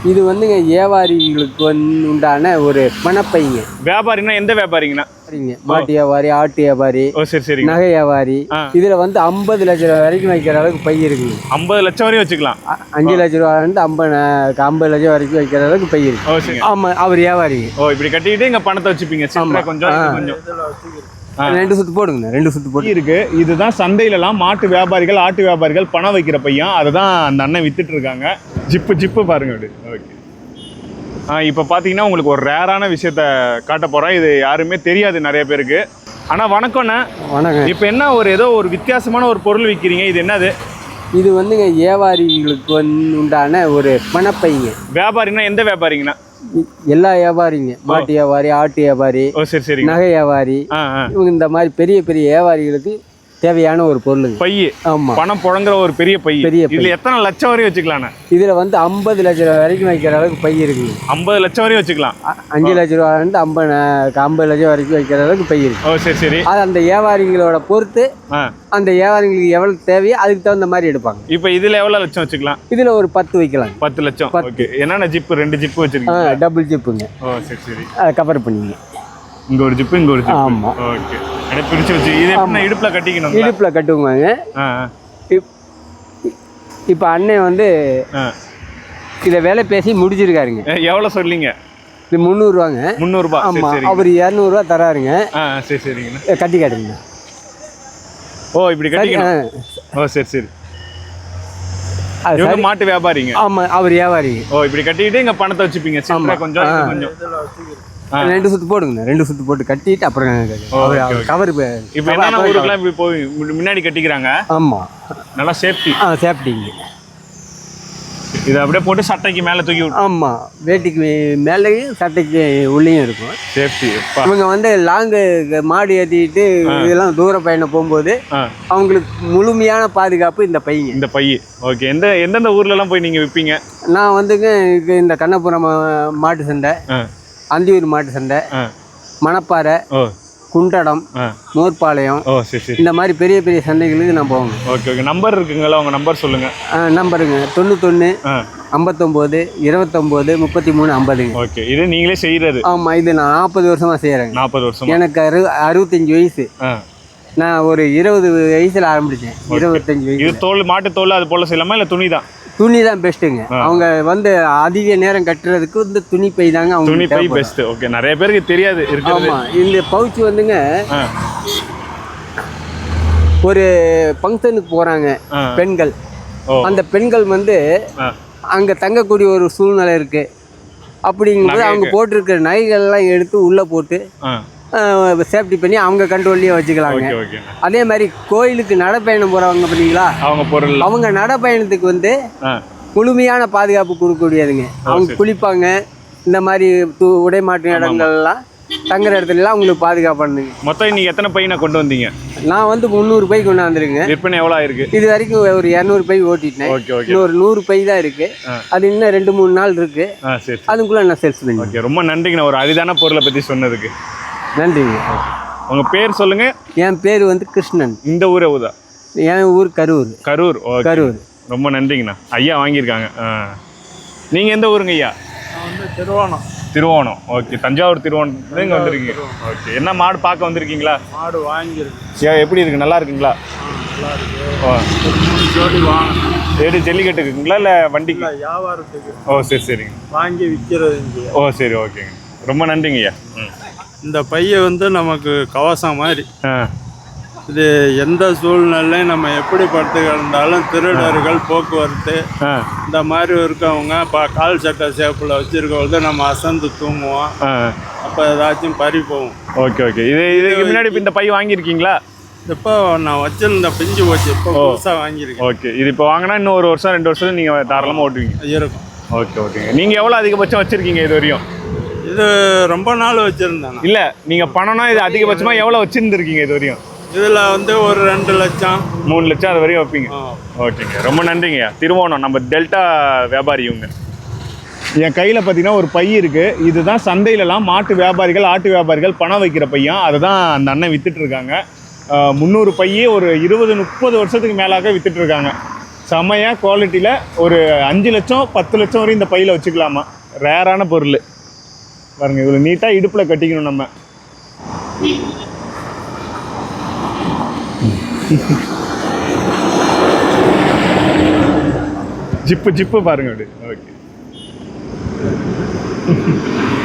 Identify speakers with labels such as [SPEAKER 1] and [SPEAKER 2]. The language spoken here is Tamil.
[SPEAKER 1] இது வந்துங்க வியாபாரிகளுக்கு உண்டான ஒரு பணப்பைங்க.
[SPEAKER 2] வியாபாரின்னா எந்த வியாபாரிங்கண்ணா?
[SPEAKER 1] மாட்டு வியாபாரி, ஆட்டு வியாபாரி,
[SPEAKER 2] சரி,
[SPEAKER 1] நகை வியாபாரி. இதுல வந்து 50 லட்சம் ரூபா வரைக்கும் வைக்கிற அளவுக்கு பை இருக்குங்க.
[SPEAKER 2] 50 லட்சம் வரையும் வச்சுக்கலாம்.
[SPEAKER 1] 5 லட்சம் ரூபாயிலிருந்து 50 லட்சம் வரைக்கும் வைக்கிற அளவுக்கு பை இருக்கு. ஆமா, அவர் வியாபாரிங்க.
[SPEAKER 2] இப்படி கட்டிட்டு இங்க பணத்தை வச்சுப்பீங்க. கொஞ்சம்
[SPEAKER 1] ரெண்டு சுத்து போடுங்க, 2 சுத்து போட்டு
[SPEAKER 2] இருக்கு. இதுதான் சந்தையிலலாம் மாட்டு வியாபாரிகள், ஆட்டு வியாபாரிகள் பணம் வைக்கிற பையன். அதுதான் அந்த அண்ணன் வித்துட்டு இருக்காங்க. ஜிப்பு பாருங்க அப்படி. ஓகே. இப்போ பார்த்தீங்கன்னா உங்களுக்கு ஒரு ரேரான விஷயத்த காட்ட போகிறேன். இது யாருமே தெரியாது நிறைய பேருக்கு. ஆனால் வணக்கம்ண்ணே.
[SPEAKER 1] வணக்கம்.
[SPEAKER 2] இப்போ என்ன ஏதோ ஒரு வித்தியாசமான ஒரு பொருள் விற்கிறீங்க, இது என்னது?
[SPEAKER 1] இது வந்துங்க வியாபாரிகளுக்கு உண்டான ஒரு பணப்பைங்க.
[SPEAKER 2] வியாபாரின்னா எந்த வியாபாரிங்கண்ணா?
[SPEAKER 1] எல்லா வியாபாரிங்க, மாட்டு வியாபாரி, ஆட்டு வியாபாரி,
[SPEAKER 2] சரி,
[SPEAKER 1] நகை வியாபாரி, இவங்க இந்த மாதிரி பெரிய பெரிய வியாபாரிகளுக்கு தேவையான ஒரு பொருளுங்க.
[SPEAKER 2] பை.
[SPEAKER 1] ஆமா,
[SPEAKER 2] பணம் புழங்குற ஒரு பெரிய பை. இதுல எத்தனை லட்சம் வரையும் வச்சுக்கலாம்?
[SPEAKER 1] இதுல வந்து 50 லட்சம் ரூபா வரைக்கும் வைக்கிற அளவுக்கு பை இருக்குங்க.
[SPEAKER 2] 50 லட்சம் வரையும் வச்சுக்கலாம். 5
[SPEAKER 1] லட்சம் ரூபாயிலிருந்து 50 லட்சம் வரைக்கும் வைக்கிற அளவுக்கு பை இருக்கு.
[SPEAKER 2] சரி.
[SPEAKER 1] அது அந்த வியாபாரிகளோட பொறுத்து அந்த வியாபாரிகளுக்கு எவ்வளவு தேவையோ அதுக்கு தகுந்த மாதிரி எடுப்பாங்க.
[SPEAKER 2] இப்போ இதுல எவ்வளவு லட்சம் வச்சுக்கலாம்?
[SPEAKER 1] இதுல ஒரு 10 வைக்கலாம்.
[SPEAKER 2] 10 லட்சம். ஓகே. என்னென்ன ஜிப்பு? 2 ஜிப்பு வச்சிருக்கீங்க.
[SPEAKER 1] டபுள் ஜிப்புங்க.
[SPEAKER 2] சரி.
[SPEAKER 1] கவர் பண்ணிங்க.
[SPEAKER 2] இங்க ஒரு ஜிப்பு, இங்க ஒரு ஜிப்பு.
[SPEAKER 1] ஆமா.
[SPEAKER 2] ஓகே. அட பிரிச்சு வச்சு இது என்ன இடுப்புல கட்டிக்கணும்?
[SPEAKER 1] இடுப்புல கட்டுவாங்க. இப்ப அண்ணன் வந்து இத வேலை பேசி முடிச்சிருக்காருங்க.
[SPEAKER 2] எவ்வளவு சொல்லிங்க?
[SPEAKER 1] இது 300 ரூபாங்க.
[SPEAKER 2] 300 ரூபாய்.
[SPEAKER 1] ஆமா, அவர் 200 ரூபாய் தராருங்க.
[SPEAKER 2] சரிங்க.
[SPEAKER 1] கட்டி காட்டுங்க.
[SPEAKER 2] இப்படி கட்டிக்கணும். சரி. அது மாட்டு வியாபாரிங்க.
[SPEAKER 1] ஆமா, அவர் வியாபாரிங்க.
[SPEAKER 2] இப்படி கட்டிட்டு இங்க பணத்தை வச்சுப்பீங்க. கொஞ்சம்
[SPEAKER 1] 2 சுத்து போடுங்க, 2 சுத்து போட்டு கட்டிட்டு அப்புறம் கவர்.
[SPEAKER 2] இப்போ என்ன ஊருக்குலாம் இப்படி போய் முன்னாடி கட்டிக்கிறாங்க.
[SPEAKER 1] ஆமா,
[SPEAKER 2] நல்லா சேஃப்டி.
[SPEAKER 1] சேஃப்டிங்க.
[SPEAKER 2] இதை அப்படியே போட்டு சட்டைக்கு மேலே தூக்கி விட்டு.
[SPEAKER 1] ஆமா, வேட்டிக்கு மேலேயும் சட்டைக்கு உள்ளேயும் இருக்கும் சேஃப்டி. இவங்க வந்து லாங்கு மாடு ஏற்றிட்டு இதெல்லாம் தூர பயணம் போகும்போது அவங்களுக்கு முழுமையான பாதுகாப்பு இந்த பையங்க.
[SPEAKER 2] இந்த பை. ஓகே. எந்தெந்த ஊர்லலாம் போய் நீங்கள் விற்பீங்க?
[SPEAKER 1] நான் வந்துங்க இந்த கண்ணபுரம் மாட்டு சண்டை, அந்தியூர் மாட்டு சண்டை, மணப்பாறை, குண்டடம், மோர்பாளையம், இந்த மாதிரி பெரிய பெரிய சந்தைகளுக்கு நான் போவேங்க.
[SPEAKER 2] ஓகே. நம்பர் இருக்குங்களா? உங்கள் நம்பர் சொல்லுங்கள்.
[SPEAKER 1] நம்பருங்க 91 59 29 33 50.
[SPEAKER 2] ஓகே. இது நீங்களே செய்கிறது?
[SPEAKER 1] ஆமாம், இது நான் 40 வருஷமாக செய்கிறேங்க.
[SPEAKER 2] 40 வருஷம்.
[SPEAKER 1] எனக்கு 65 வயசு. நான் ஒரு 20 வயசில் ஆரம்பித்தேன். 25 வயசு.
[SPEAKER 2] இது தோல், மாட்டு தோல் அது போல் செய்யலாமா இல்லை துணி தான்?
[SPEAKER 1] துணி தான் பெஸ்ட்டுங்க. அவங்க வந்து அதிக நேரம் கட்டுறதுக்கு இந்த துணி பை தாங்க. அவங்க
[SPEAKER 2] துணி பை பெஸ்ட். ஓகே. நிறைய பேருக்கு தெரியாது இருக்கு.
[SPEAKER 1] ஆமா, இந்த பவுச் வந்துங்க ஒரு ஃபங்க்ஷனுக்கு போறாங்க பெண்கள். அந்த பெண்கள் வந்து அங்க தங்கக்கூடிய ஒரு சூழ்நிலை இருக்கு. அப்படிங்கும்போது அவங்க போட்டிருக்கிற நகைகள்லாம் எடுத்து உள்ள போட்டு சேஃப்டி பண்ணி அவங்க கண்ட்ரோல்லையே வச்சுக்கலாங்க. அதே மாதிரி கோயிலுக்கு நடைப்பயணம் போகிறவங்க பார்த்தீங்களா, அவங்க நடைப்பயணத்துக்கு வந்து முழுமையான பாதுகாப்பு கொடுக்கக்கூடியதுங்க. அவங்க குளிப்பாங்க, இந்த மாதிரி உடை மாற்று இடங்கள்லாம் தங்குற இடத்துலலாம் அவங்களுக்கு பாதுகாப்பானுங்க.
[SPEAKER 2] மொத்தம் இன்னைக்கு எத்தனை பை நான் கொண்டு வந்தீங்க?
[SPEAKER 1] நான் வந்து 300 பை கொண்டாந்துருங்க.
[SPEAKER 2] விற்பனை எவ்வளோ ஆயிருக்கு?
[SPEAKER 1] இது வரைக்கும் ஒரு 200 பை ஓட்டிட்டேன். இன்னொரு 100 பை தான் இருக்கு. அது இன்னும் 2-3 நாள் இருக்கு. அதுக்குள்ள நான் சேல்ஸ் பண்ணி.
[SPEAKER 2] ஓகே. ரொம்ப நன்றிங்க ஒரு அரிதான பொருளை பற்றி சொன்னதுக்கு.
[SPEAKER 1] நன்றிங்க.
[SPEAKER 2] உங்கள் பேர் சொல்லுங்க.
[SPEAKER 1] என் பேர் வந்து கிருஷ்ணன்.
[SPEAKER 2] இந்த ஊர் எவ்வளோ?
[SPEAKER 1] என் ஊர் கரூர்.
[SPEAKER 2] கரூர். கரூர். ரொம்ப நன்றிங்கண்ணா. ஐயா வாங்கியிருக்காங்க. நீங்கள் எந்த ஊருங்க ஐயா?
[SPEAKER 3] திருவோணம்.
[SPEAKER 2] திருவோணம். ஓகே. தஞ்சாவூர் திருவோணம் இங்கே வந்திருக்கீங்க. ஓகே. என்ன மாடு பார்க்க வந்திருக்கீங்களா?
[SPEAKER 3] மாடு வாங்கியிருக்கு.
[SPEAKER 2] எப்படி இருக்கு? நல்லா இருக்குங்களா?
[SPEAKER 3] நல்லா இருக்கு.
[SPEAKER 2] ஏடி ஜல்லிக்கட்டுக்குங்களா இல்லை வண்டிக்கு?
[SPEAKER 3] வியாபாரத்துக்கு.
[SPEAKER 2] சரிங்க.
[SPEAKER 3] வாங்கி விற்கிறது.
[SPEAKER 2] சரி. ஓகேங்க. ரொம்ப நன்றிங்க ஐயா.
[SPEAKER 3] இந்த பையை வந்து நமக்கு கவசம் மாதிரி. இது எந்த சூழ்நிலையும் நம்ம எப்படி படுத்து கிடந்தாலும் திருடர்கள், போக்குவரத்து இந்த மாதிரி இருக்கவங்க கால் சட்டை சேப்பில் வச்சுருக்கவங்க நம்ம அசந்து தூங்குவோம். அப்போ ஏதாச்சும் பறி போகும்.
[SPEAKER 2] ஓகே. இதுக்கு முன்னாடி இந்த பை வாங்கியிருக்கீங்களா?
[SPEAKER 3] இப்போ நான் வச்சிருந்த பிஞ்சு போச்சு. இப்போ புதுசாக வாங்கியிருக்கேன்.
[SPEAKER 2] ஓகே. இது இப்போ வாங்கினா இன்னும் 1 வருஷம் 2 வருஷம் நீங்கள் தாராளமாக ஓட்டுவீங்க?
[SPEAKER 3] இருக்கும்.
[SPEAKER 2] ஓகேங்க. நீங்கள் எவ்வளோ அதிகபட்சம் வச்சுருக்கீங்க இது வரையும்?
[SPEAKER 3] இது ரொம்ப நாள் வச்சுருந்தேன்.
[SPEAKER 2] இல்லை, நீங்கள் பணம்னா இது அதிகபட்சமாக எவ்வளோ வச்சுருந்துருக்கீங்க இது வரையும்?
[SPEAKER 3] இதில் வந்து ஒரு 2 லட்சம்
[SPEAKER 2] 3 லட்சம் அது வரையும் வைப்பீங்க? ஓகேங்க. ரொம்ப நன்றிங்கய்யா. திருவோணம் நம்ம டெல்டா வியாபாரி இவங்க. என் கையில் பார்த்தீங்கன்னா ஒரு பை இருக்குது. இதுதான் சந்தையிலலாம் மாட்டு வியாபாரிகள், ஆட்டு வியாபாரிகள் பணம் வைக்கிற பையன். அதை தான் அந்த அண்ணன் விற்றுட்ருக்காங்க. 300 பையே ஒரு 20-30 வருஷத்துக்கு மேலாக விற்றுட்ருக்காங்க. செமையாக குவாலிட்டியில் ஒரு 5 லட்சம் 10 லட்சம் வரையும் இந்த பையில் வச்சுக்கலாமா. ரேரான பொருள் பாருங்க. இவ்வளோ நீட்டாக இடுப்பில் கட்டிக்கணும் நம்ம. ஜிப்பு பாருங்க அப்படி. ஓகே.